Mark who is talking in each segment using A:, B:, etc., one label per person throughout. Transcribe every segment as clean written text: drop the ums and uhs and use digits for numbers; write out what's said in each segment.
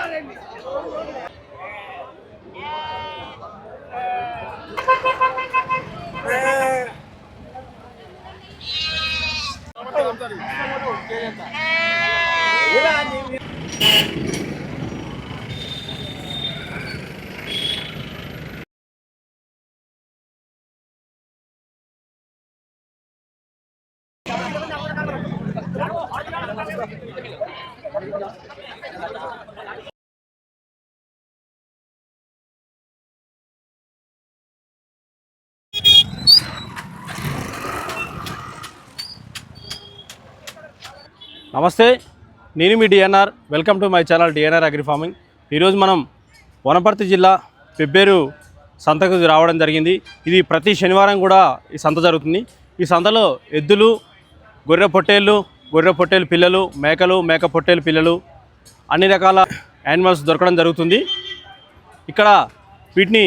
A: నమస్తే, నేను మీ DNR. Welcome to my channel DNR agri farming. ఈరోజు మనం వనపర్తి జిల్లా పెబ్బేరు సంతకు రావడం జరిగింది. ఇది ప్రతి శనివారం కూడా ఈ సంత జరుగుతుంది. ఈ సంతలో ఎద్దులు, గొర్రె పొట్టేలు పిల్లలు, మేక పొట్టేలు పిల్లలు, అన్ని రకాల యానిమల్స్ దొరకడం జరుగుతుంది. ఇక్కడ వీటిని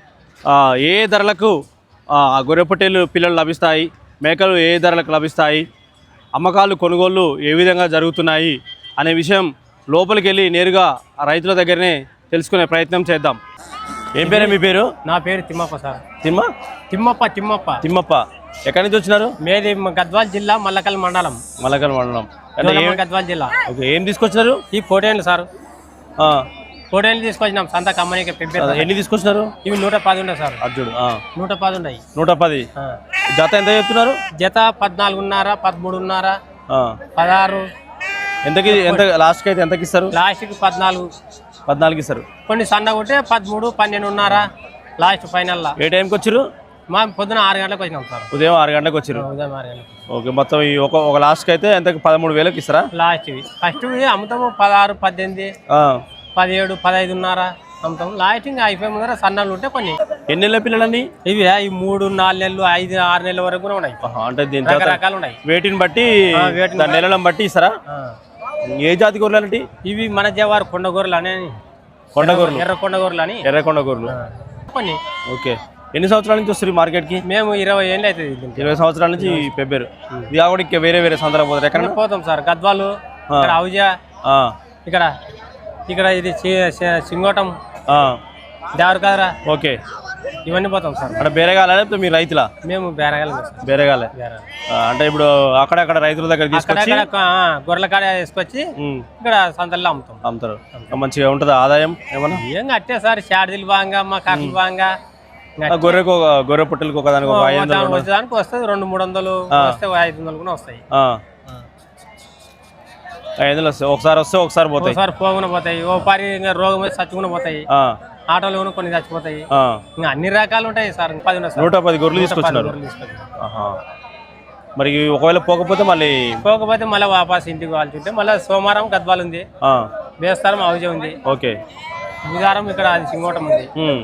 A: ఏ ధరలకు గొర్రె పొట్టేలు పిల్లలు లభిస్తాయి, మేకలు ఏ ధరలకు లభిస్తాయి, అమ్మకాలు కొనుగోళ్ళు ఏ విధంగా జరుగుతున్నాయి అనే విషయం లోపలికి వెళ్ళి నేరుగా రైతుల దగ్గరనే తెలుసుకునే ప్రయత్నం చేద్దాం. ఏం పేరే మీ పేరు?
B: నా పేరు తిమ్మప్ప సార్.
A: తిమ్మప్ప. ఎక్కడి నుంచి వచ్చినారు?
B: మేది గద్వాల్ జిల్లా మల్లకల్ మండలం. గద్వాల్ జిల్లా.
A: ఓకే, ఏం తీసుకొచ్చినారు?
B: ఈ పోటేళ్ళు సార్. పోటేళ్ళు తీసుకొచ్చినాం సంత కమ్మనికి.
A: ఎన్ని తీసుకొచ్చినారు?
B: ఇవి 110 ఉన్నాయి సార్.
A: అర్జుడు
B: 110 ఉన్నాయి.
A: 110. జత ఎంత చెప్తున్నారు?
B: జత 14.5, 13.5, 16.
A: ఎంత లాస్ట్కి అయితే ఎంతకి ఇస్తారు?
B: లాస్ట్కి 14
A: ఇస్తారు.
B: కొన్ని సన్నగా ఉంటే 13, 12.5 లాస్ట్ ఫైనల్.
A: ఏ టైంకి వచ్చారు?
B: మా పొద్దున 6 గంటలకు వచ్చినాం సార్.
A: ఉదయం 6 గంటలకు వచ్చారు.
B: ఉదయం 6 గంటలకు.
A: ఓకే, మొత్తం ఈ ఒక లాస్ట్కి అయితే ఎంతకి 13,000కి ఇస్తారా?
B: లాస్ట్ ఫస్ట్ అమ్ముతాము 16, 18, 17, 15.5 అమ్ముతాం. లాస్టింగ్ అయిపోయి ముందర సన్నాలు ఉంటే కొన్ని.
A: ఎన్ని నెలల పిల్లలన్నీ
B: ఇవి? ఈ 3, 4 నెలలు, 5, 6 నెలల వరకు కూడా ఉన్నాయి.
A: అంటే దీని
B: రకరకాలు ఉన్నాయి.
A: వేటిని బట్టి, నెలలను బట్టి ఇస్తారా? ఏ జాతి గొర్రెలు అంటే
B: ఇవి? మన జవారు కొండ గొర్రెలు అని. ఎర్ర కొండ గొర్రెలు కొన్ని.
A: ఓకే, ఎన్ని సంవత్సరాల నుంచి వస్తారు మార్కెట్కి?
B: మేము 20 ఏళ్ళు అవుతుంది.
A: 20 సంవత్సరాల నుంచి పెబ్బేరు. ఇది కాకుండా ఇంకా వేరే సందర్భం పోతారు. ఎక్కడ
B: పోతాం సార్? గద్వాలు, అవుజా, ఇక్కడ ఇది సింగోటం, దేవరకాదరా.
A: ఓకే,
B: ఇవన్నీ పోతాం సార్.
A: అంటే బేరగాల లేకపోతే మీరు రైతులా?
B: మేము
A: బేరగాలే. అంటే ఇప్పుడు అక్కడక్కడ రైతుల దగ్గర తీసుకొచ్చి
B: గొర్రెల కాడ వేసుకొచ్చి ఇక్కడ సంతల్లో
A: అమ్ముతారు. మంచిగా ఉంటుందా ఆదాయం? ఏమన్నా
B: ఏం అట్టే సార్, షార్జీలు బాగా, మా కర్రలు బాగా.
A: గొర్రె పుట్టలకు ఒకదానికి
B: వచ్చేదానికి వస్తుంది 200-300 వస్తే 500 కూడా వస్తాయి.
A: 500 వస్తాయి. ఒకసారి వస్తే ఒకసారి పోతాయి.
B: ఒకసారి పోకుండా పోతాయి. ఓ పరి రోగం వచ్చి చచ్చుకుని పోతాయి. ఆటోలు కొన్ని చచ్చిపోతాయి. ఇంకా అన్ని రకాలు ఉంటాయి సార్.
A: 110 గొర్రెలు తీసుకొచ్చినారు. మరి ఒకవేళ పోకపోతే మళ్ళీ
B: వాపస్ ఇంటికి వాల్చుంటే మళ్ళీ సోమవారం గద్వాలు ఉంది, బేస్తారం అవుజే ఉంది.
A: ఓకే,
B: బుధవారం ఇక్కడ సింగోటం ఉంది.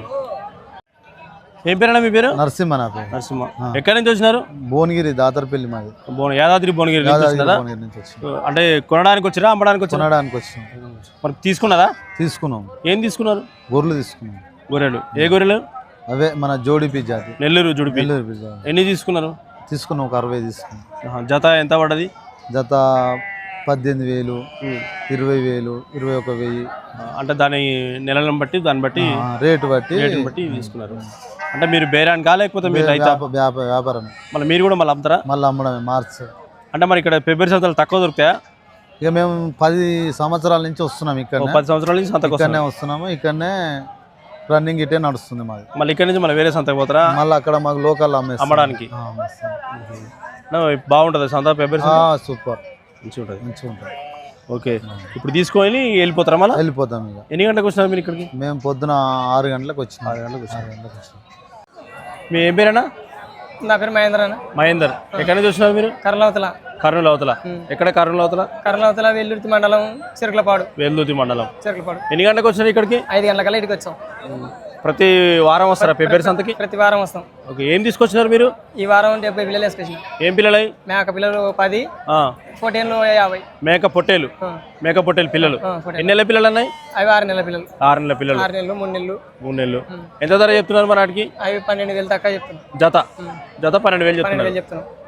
A: ఏం పేరు? మీ పేరు?
C: నరసింహ.
A: నరసింహ. ఎక్కడి నుంచి వచ్చినారు?
C: భువనగిరి, దాతరపల్లి మాది.
A: యాదాద్రి భువనగిరి నుంచి. అంటే కొనడానికి వచ్చిరా, అమ్మడానికి వచ్చి?
C: కొనడానికి వచ్చాం.
A: మరి తీసుకున్నారా?
C: తీసుకున్నాం.
A: ఏం తీసుకున్నారు?
C: గొర్రెలు తీసుకున్నాం.
A: గొర్రెలు. ఏ గొర్రెలు?
C: అవే మన జోడిపి జాతి,
A: నెల్లూరు జోడిపి. ఎన్ని తీసుకున్నారు?
C: తీసుకున్నాం ఒక 60 తీసుకున్నాం.
A: జత ఎంత పడ్డది?
C: జత 18,000, 20,000, 21,000.
A: అంటే దాని నెలలను బట్టి
C: రేటు బట్టి
A: తీసుకున్నారు. అంటే మీరు బేరానికా లేకపోతే మీరు
C: వ్యాపారం?
A: మళ్ళీ మీరు కూడా మళ్ళీ అమ్ముతారా?
C: మళ్ళీ అమ్మడమే మార్చ్.
A: అంటే మరి ఇక్కడ పెబ్బేరు సంతలు తక్కువ దొరుకుతాయా?
C: ఇక మేము 10 సంవత్సరాల నుంచి వస్తున్నాం. ఇక్కడ
A: 10 సంవత్సరాల నుంచి సంతకు
C: వస్తున్నాము. ఇక్కడనే రన్నింగ్ ఇటే నడుస్తుంది మాది.
A: మళ్ళీ ఇక్కడ నుంచి మళ్ళీ వేరే సంతకు పోతారా?
C: మళ్ళీ అక్కడ మాకు లోకల్
A: అమ్మడానికి బాగుంటుంది సంత. పెబ్బేరు
C: సూపర్,
A: మంచిగా ఉంటుంది. ఓకే, ఇప్పుడు తీసుకొని వెళ్ళిపోతారా? మళ్ళీ
C: వెళ్ళిపోతాం. ఇక
A: ఎన్ని గంటలకు వచ్చినారు మీరు ఇక్కడికి?
C: మేము పొద్దున 6 గంటలకు వచ్చినాం.
A: 6 గంటలకు వచ్చినాం. మీ ఏం పేరేనా?
B: నా పేరు
A: మహేందర్. ఎక్కడి నుంచి వచ్చినారు మీరు? కర్నూలు అవతల. ఎక్కడ కర్నూలు అవతల?
B: వెల్లుర్తి మండలం, చిరకలపాడు.
A: ఎన్ని గంటలకు వచ్చినారు ఇక్కడికి?
B: 5 గంటలకల్లా ఇక్కడికి వచ్చాం.
A: ప్రతి వారం వస్తారా పెబ్బేరు సంతకి?
B: ప్రతి వారం వస్తాం.
A: ఓకే, ఏం తీసుకొచ్చినారు మీరు?
B: ఈ వారం 70 పిల్లలు వేసుకొచ్చిన.
A: ఏం పిల్లలు?
B: మేక పిల్లలు 10, పొట్టేళ్ళు 50.
A: మేక పొట్టేలు పిల్లలు. ఎన్ని నెలల పిల్లలు అన్నాయి?
B: అవి 6 నెలల పిల్లలు.
A: 6 నెలల పిల్లలు.
B: 6 నెలలు, 3 నెలలు.
A: ఎంత ధర చెప్తున్నారు మరి వాటికి?
B: అవి 12,000 తక్కువ చెప్తున్నాం.
A: జత 12,000 చెప్తున్నారు.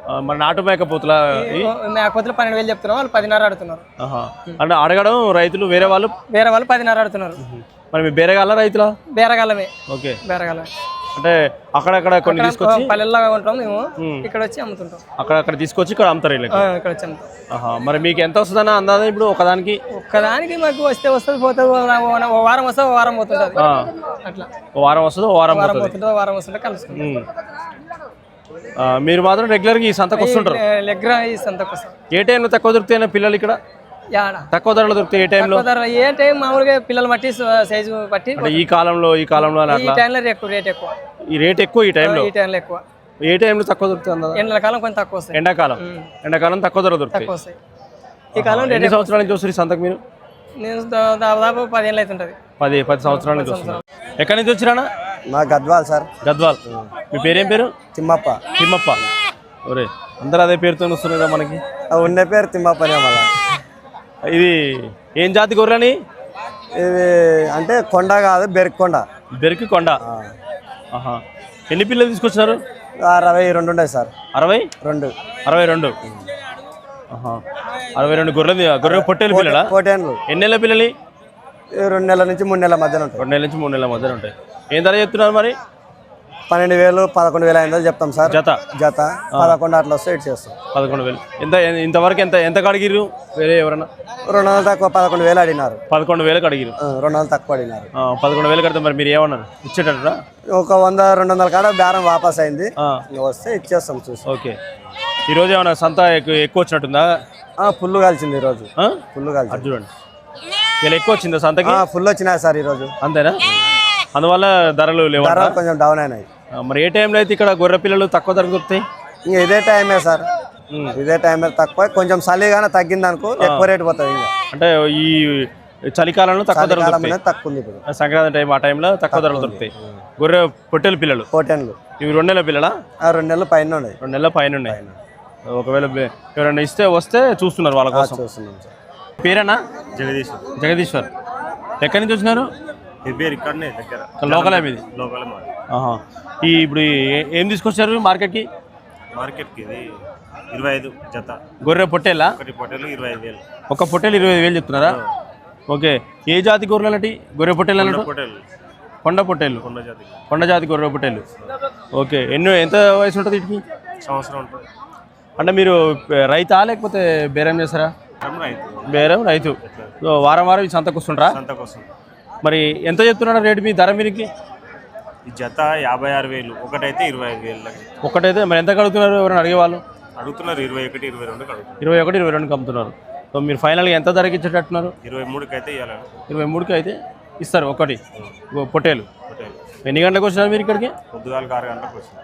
A: మరి నాటు మేకపోతుల
D: మేకపోతులు 12,000 చెప్తున్నాం, వాళ్ళు 10,500 అడుగుతున్నారు.
A: అంటే అడగడం రైతులు వేరే వాళ్ళు
D: 10,500 అడుగుతున్నారు.
A: మరి మీ బేరగాల రైతులా?
D: బేరగాలమే.
A: ఓకే,
D: బేరగాలమే.
A: అంటే అక్కడక్కడ కొన్ని తీసుకొచ్చి
D: పల్లెల్లాగా ఉంటాం మేము, ఇక్కడ వచ్చి అమ్ముతుంటాం.
A: అక్కడ తీసుకొచ్చి ఇక్కడ అమ్ముతారు వీళ్ళకి?
D: ఇక్కడ వచ్చి అమ్ముతాం.
A: మరి మీకు ఎంత వస్తుందన్న అందాదా ఇప్పుడు ఒక్కదానికి?
D: మాకు వస్తుంది పోతుంది, ఓ వారం వస్తుంది, ఓ వారం పోతుంటుంది. అట్లా
A: ఓ వారం వస్తుంది, ఓ వారం
D: పోతుంటుంది, ఓ వారం వస్తుంటే కలుసుకుంటాం.
A: మీరు మాత్రం రెగ్యులర్గా ఈ సంతకు వస్తుంటారు?
D: ఈ సంతకు వస్తాం.
A: ఏ టైంలో తక్కువ దొరుకుతాయి పిల్లలు ఇక్కడ? తక్కువ ధరలో దొరుకుతాయి ఏ టైంలో?
D: ఏ టైం మామూలుగా పిల్లలు బట్టి సైజు బట్టి.
A: ఈ కాలంలో ఈ టైంలో
D: రేట్ ఎక్కువ.
A: ఈ రేట్ ఎక్కువ ఈ టైంలో
D: ఎక్కువ.
A: ఏ టైంలో తక్కువ దొరుకుతుంది?
D: ఎండాకాలం కొంచెం తక్కువ వస్తాయి.
A: ఎండాకాలం తక్కువ ధర దొరుకుతాయి.
D: ఈ కాలం
A: ఎన్ని సంవత్సరాల నుంచి వస్తుంది సంతకు మీరు?
D: నేను దాదాపు 10 ఏళ్ళు అవుతుంటది.
A: 10 సంవత్సరాల నుంచి వస్తున్నారు. ఎక్కడి నుంచి వచ్చిరానా?
E: మా గద్వాల్ సార్.
A: గద్వాల్. మీ పేరేం పేరు?
E: తిమ్మప్ప.
A: తిమ్మప్ప. ఒరే అందరూ అదే పేరుతో వస్తున్నారా మనకి?
E: ఉండే పేరు తిమ్మప్పనే. మళ్ళా
A: ఇది ఏం జాతి గొర్రెని?
E: ఇది అంటే కొండ కాదు, బెరికి కొండ.
A: బెరికి కొండ. ఎన్ని పిల్లలు తీసుకొచ్చినారు?
E: 62 ఉన్నాయి సార్.
A: 62? 62 గొర్రె పొట్టేలు పిల్లలా?
E: పొట్టేళ్ళు.
A: ఎన్ని నెలల పిల్లలు?
E: 2 నెలల నుంచి 3 నెలల మధ్యన ఉంటాయి.
A: 2 నెలల నుంచి 3 నెలల మధ్యన ఉంటాయి. ఏం ధర చెప్తున్నారు మరి?
E: 12,000 11,500 చెప్తాం సార్. జత 11 అట్లా వస్తే ఇటు చేస్తాం.
A: 11,000. ఇంతవరకు ఎంత కడిగిరు? వేరే ఎవరన్నా
E: 200 తక్కువ 11,000 అడిగినారు.
A: 11,000 అడిగిరు.
E: 200 తక్కువ అడిగినారు.
A: 11,000 కడితే మరి మీరు ఏమన్నారు? ఇచ్చేటట్టురా?
E: ఒక 100-200 కాడ బేరం వాపస్ అయింది, వస్తే ఇచ్చేస్తాం చూసి.
A: ఓకే. ఈరోజు ఏమన్నా సంత ఎక్కువ వచ్చినట్టుందా?
E: ఫుల్ కలిసింది ఈరోజు. ఫుల్ కలిసింది.
A: చూడండి, ఇలా ఎక్కువ వచ్చిందా సంతకి?
E: ఫుల్ వచ్చినాయి సార్ ఈరోజు.
A: అంతేనా? అందువల్ల ధరలు లేవు,
E: కొంచెం డౌన్ అయినాయి.
A: మరి ఏ టైంలో అయితే ఇక్కడ గొర్రె పిల్లలు తక్కువ ధర దొరుకుతాయి?
E: ఇంకా ఇదే టైమే సార్, ఇదే టైమే తక్కువ. కొంచెం చలిగానే తగ్గింది అనుకో ఎక్కువ రేటు పోతుంది. ఇంకా
A: అంటే ఈ చలికాలంలో తక్కువ ధర
E: తక్కువ ఉంది ఇప్పుడు.
A: సంక్రాంతి టైం ఆ టైంలో తక్కువ ధరలు దొరుకుతాయి. గొర్రె పొట్టేలు పిల్లలు.
E: పొట్టేళ్ళు
A: ఇవి 2 నెలల పిల్లలా?
E: 2 నెలల పైన ఉన్నాయి.
A: 2 నెలల పైన ఉన్నాయి. ఒకవేళ ఎవరైనా వస్తే చూస్తున్నారు వాళ్ళ కోసం.
E: చూస్తున్నాం సార్.
A: పేరేనా?
F: జగదీశ్వర్.
A: జగదీశ్వర్. ఎక్కడి నుంచి వచ్చినారు?
F: ఇక్కడనే దగ్గర.
A: లోకలే మీది?
F: లోకలే.
A: ఇప్పుడు ఏం తీసుకొచ్చారు మార్కెట్కి?
F: మార్కెట్కి ఇది 25 జత.
A: గొర్రె పొట్టేలా?
F: ఒకటి పొట్టేలు 25,000.
A: ఒక పొట్టేలు 25,000 చెప్తున్నారా? ఓకే. ఏ జాతి గొర్రెలు అన్నట్టు? గొర్రె పొట్టేలు అన్నట్టు? కొండ పొట్టేలు. కొండ జాతి గొర్రె పొట్టేలు. ఓకే. ఎంత వయసు ఉంటుంది వీటికి?
F: సంవత్సరం ఉంటుంది.
A: అంటే మీరు రైతా లేకపోతే బేరం చేస్తారా? బేరం రైతు. వారం ఈ సంతకు వస్తుంటారా? మరి ఎంత చెప్తున్నారా రేటు మీ ధర మీరికి?
F: ఈ జత 56,000, ఒకటైతే 25,000.
A: ఒకటైతే మరి ఎంత కడుగుతున్నారు? ఎవరైనా అడిగేవాళ్ళు
F: అడుగుతున్నారు 21, 22.
A: 21, 22 అమ్ముతున్నారు. సో మీరు ఫైనల్గా ఎంత ధరకి ఇచ్చేటట్టున్నారు?
F: 23కి అయితే ఇవ్వాలి.
A: 23కి అయితే ఇస్తారు ఒకటి పొట్టేలు. ఎన్ని గంటలకు వచ్చినారు మీరు ఇక్కడికి?
F: పొద్దుగాల 6 గంటలకు వచ్చినారు.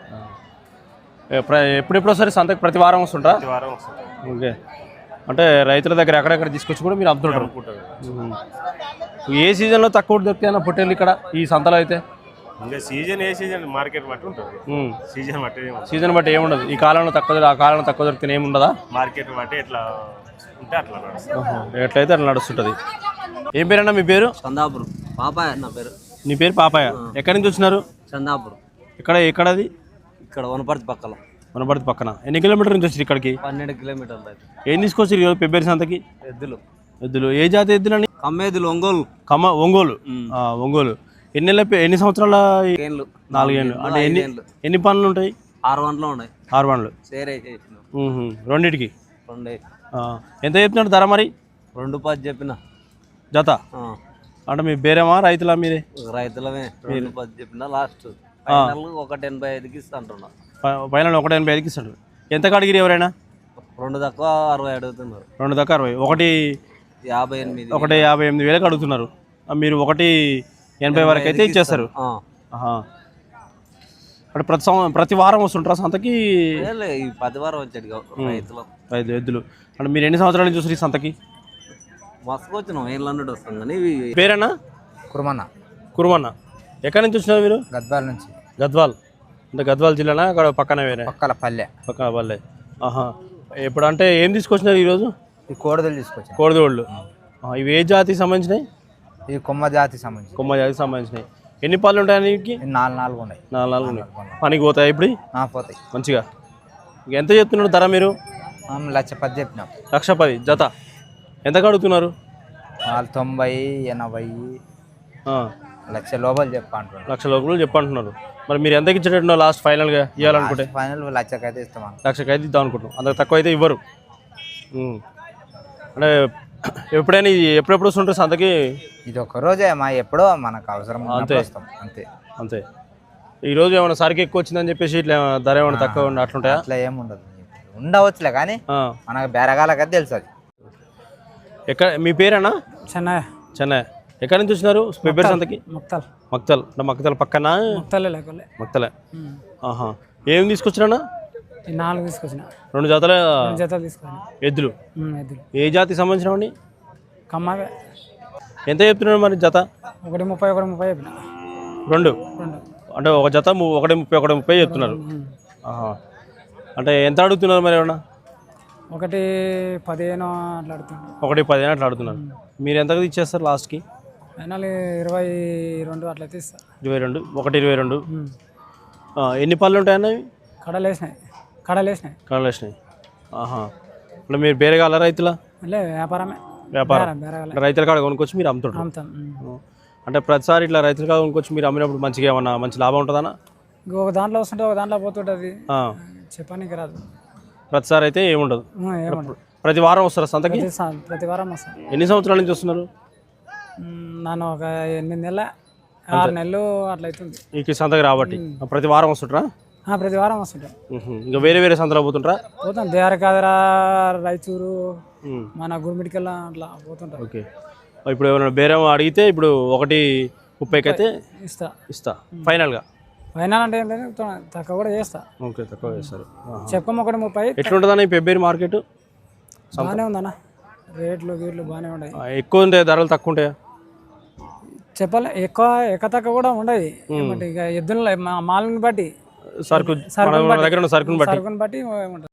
A: ఎప్పుడెప్పుడు వస్తారు సంతకి? ప్రతి వారం వస్తుంటారా?
F: ప్రతి వారం వస్తుంది.
A: ఓకే. అంటే రైతుల దగ్గర ఎక్కడెక్కడ తీసుకొచ్చి కూడా మీరు అమ్ముతుంటారు. ఏ సీజన్లో తక్కువ దొరుకుతాయన్న పొట్టేలు ఇక్కడ ఈ సంతలో అయితే?
F: ఇంకా ఏ సీజన్ మార్కెట్ బట్టి ఉంటుంది.
A: సీజన్ బట్టి ఏముండదు. ఈ కాలంలో తక్కువ, ఆ కాలంలో తక్కువ దొరికితే ఏముండదా?
F: మార్కెట్ బట్టి ఎట్లా ఉంటే అట్లా
A: ఎట్లయితే అట్లా నడుస్తుంటుంది. ఏం పేరన్నా మీ పేరు?
G: చందాపురం. పాపాయ నా పేరు.
A: నీ పేరు పాపాయ. ఎక్కడి నుంచి వచ్చినారు?
G: చందాపురం.
A: ఎక్కడది?
G: ఇక్కడ వనపర్తి పక్కన.
A: వనపర్తి పక్కన. ఎన్ని కిలోమీటర్ నుంచి వచ్చి ఇక్కడికి?
G: 12 కిలోమీటర్లు.
A: ఏం తీసుకొచ్చి ఈరోజు ఫిబ్రవరి సంతకి? ఎద్దులు. ఏ జాతి ఎద్దులని?
G: కమ్మేదులు. ఒంగోలు.
A: ఒంగోలు. ఒంగోలు. ఎన్ని సంవత్సరాల? 4 ఏళ్ళు. అంటే ఎన్ని పనులు ఉంటాయి?
G: 6 బండ్లు ఉన్నాయి.
A: 6 బండ్లు. రెండింటికి ఎంత చెప్తున్నాడు ధర మరి?
G: 2,10 చెప్పిన
A: జత. అంటే మీ బేరేమా రైతులా మీరే?
G: రైతులమే. 2,10 చెప్పిన. లాస్ట్ 1,85కి ఇస్తా అంటున్నా.
A: ఫైనల్ 1,85కి ఇస్తాడు. ఎంత కడిగిరి ఎవరైనా?
G: 2 తక్కువ 60 అడుగుతున్నారు.
A: 2 తక్కువ 60. 1,58,000 అడుగుతున్నారు. మీరు 1,80 వరకు అయితే ఇచ్చేస్తారు. అంటే ప్రతి వారం వస్తుంటారా సంతకి?
G: 10 వారం వచ్చాడు రైతులు.
A: 5 ఎద్దులు. అంటే మీరు ఎన్ని సంవత్సరాల నుంచి చూసారు ఈ సంతకి?
G: మస్తుకు వచ్చినాం. 1,000 వస్తుంది కానీ.
A: పేరేనా? కురుమన్న. ఎక్కడి నుంచి వచ్చినారు మీరు?
D: గద్వాల్ నుంచి.
A: గద్వాల్. అంటే గద్వాల్ జిల్లానా? అక్కడ పక్కన వేరే?
D: పక్కన పల్లె.
A: ఇప్పుడు అంటే ఏం తీసుకొచ్చినారు ఈరోజు?
D: ఈ కోడదోళ్ళు తీసుకొచ్చారు.
A: కోడదోళ్ళు. ఇవి ఏ జాతికి సంబంధించినాయి?
D: ఈ కొమ్మ జాతికి
A: సంబంధించినాయి. ఎన్ని పళ్ళు ఉంటాయి?
D: 4 ఉన్నాయి.
A: 4 ఉన్నాయి. పనికి పోతాయి ఇప్పుడు?
D: పోతాయి
A: మంచిగా. ఎంత చెప్తున్నారు ధర మీరు?
H: 1,10,000 చెప్పినాం.
A: 1,10,000 జత. ఎంత కడుగుతున్నారు?
H: వాళ్ళు 90, 80,
A: ఆ,
H: 1,00,000 లోపల చెప్పంటున్నారు.
A: 1,00,000 లోపల చెప్పంటున్నారు. మరి మీరు ఎంతకి ఇచ్చేటట్టున్నారు లాస్ట్ ఫైనల్గా ఇవ్వాలనుకుంటే?
H: ఫైనల్ 1,00,000 అయితే ఇస్తాం.
A: 1,00,000 అయితే ఇద్దాం అనుకుంటున్నాం. అంత తక్కువ అయితే ఇవ్వరు. అంటే ఎప్పుడైనా ఎప్పుడెప్పుడు వస్తుంటారు సంతకి?
H: ఇది ఒక రోజే మా ఎప్పుడో మనకు అవసరం
A: అంతే.
H: వస్తాం అంతే.
A: అంతే. ఈరోజు ఏమైనా సరికి ఎక్కువ వచ్చిందని చెప్పేసి ఇట్లా ధర ఏమైనా తక్కువ అట్లుంటాయా?
H: అట్లా ఏముండదు, ఉండవచ్చులే కానీ మనకు బేరగాలకైతే తెలుసు అది.
A: ఎక్కడ మీ పేరేనా?
D: చెన్నై
A: చెన్నై. ఎక్కడి నుంచి వచ్చినారు పెబ్బేరు సంతకి?
D: మొత్తాలు
A: మక్తల్. అంటే మక్తల్ పక్కన?
D: మొత్తాలే లేకలే
A: మక్తలే. ఆహా. ఏం తీసుకొచ్చినా?
D: ఈ 4 తీసుకొచ్చిన,
A: 2 జతల
D: 2 జతలు తీసుకొచ్చిన.
A: ఎద్దులు.
D: ఎద్దులు
A: ఏ జాతికి సంబంధించినవండి?
D: కమ్మవే.
A: ఎంత చెప్తున్నాడు మరి జత?
D: 1,30, 1,30 చెప్పిన.
A: 2
D: 2
A: అంటే ఒక జత 1,30, 1,30 చెప్తున్నారు. ఆహా. అంటే ఎంత అడుగుతున్నారు మరి ఏమన్నా?
D: 1,15 అట్లా అడుగుతుంది.
A: 1,10 అట్లా అడుగుతున్నారు. మీరు ఎంతకు ఇచ్చేస్తారు లాస్ట్కి?
D: ఫైనల్ 22 అట్లయితే ఇస్తా.
A: 22. 1,22. ఎన్ని పళ్ళు ఉంటాయన్న ఇవి?
D: కడలేసినాయి.
A: కడలేసినాయి. ఆహా. అంటే మీరు బేరగాల రైతుల?
D: లే వ్యాపారమే.
A: వ్యాపారం.
D: బేరగాలే.
A: రైతుల కాడ కొనుక్కొచ్చి మీరు అమ్ముతుంటారు?
D: అమ్ముతాం.
A: అంటే ప్రతిసారి ఇట్లా రైతుల కాడ కొనుక్కొచ్చి మీరు అమ్మినప్పుడు మంచిగా ఏమన్నా మంచి లాభం ఉంటుందన్నా?
D: ఒక దాంట్లో వస్తుంటే ఒక దాంట్లో పోతుంటుంది, చెప్పడానికి రాదు.
A: ప్రతిసారి అయితే ఏముండదు.
D: ఏముండదు.
A: ప్రతి వారం వస్తారా సంతకి?
D: ప్రతి వారం వస్తాను.
A: ఎన్ని సంవత్సరాల నుంచి వస్తున్నారు?
D: నన్ను ఒక 8 నెలల 6 నెలలు అట్లా అవుతుంది
A: ఈ సంతకి రాబట్టి. ప్రతి వారం వస్తుంటారా?
D: ప్రతి వారం వస్తుంటాం.
A: ఇంకా వేరే వేరే సంతలో పోతుంటారా?
D: పోతాం. దేవరకాదరా, రాయచూరు, మన గుడిమిడికల్లా అట్లా పోతుంటాం.
A: ఓకే. ఇప్పుడు ఏమైనా బేరం అడిగితే ఇప్పుడు 1,30 అయితే ఇస్తా ఫైనల్గా.
D: ఫైనల్ అంటే ఏంటంటే తక్కువ కూడా చేస్తా.
A: ఓకే, తక్కువ చేస్తారు.
D: చెప్పం 1,30.
A: ఎట్లుంటుందన్న ఈ పెబ్బేరు మార్కెట్?
D: బాగానే ఉందన్న, రేట్లు గీట్లు బాగానే ఉన్నాయి.
A: ఎక్కువ ఉంటాయి ధరలు, తక్కువ ఉంటాయా?
D: చెప్పాలి, ఎక్కువ తక్కువ కూడా ఉండదు. ఇక ఎద్దుల మాలని బట్టి,
A: సరుకు దగ్గర ఉన్న సరుకుని బట్టి
D: ఉంటుంది.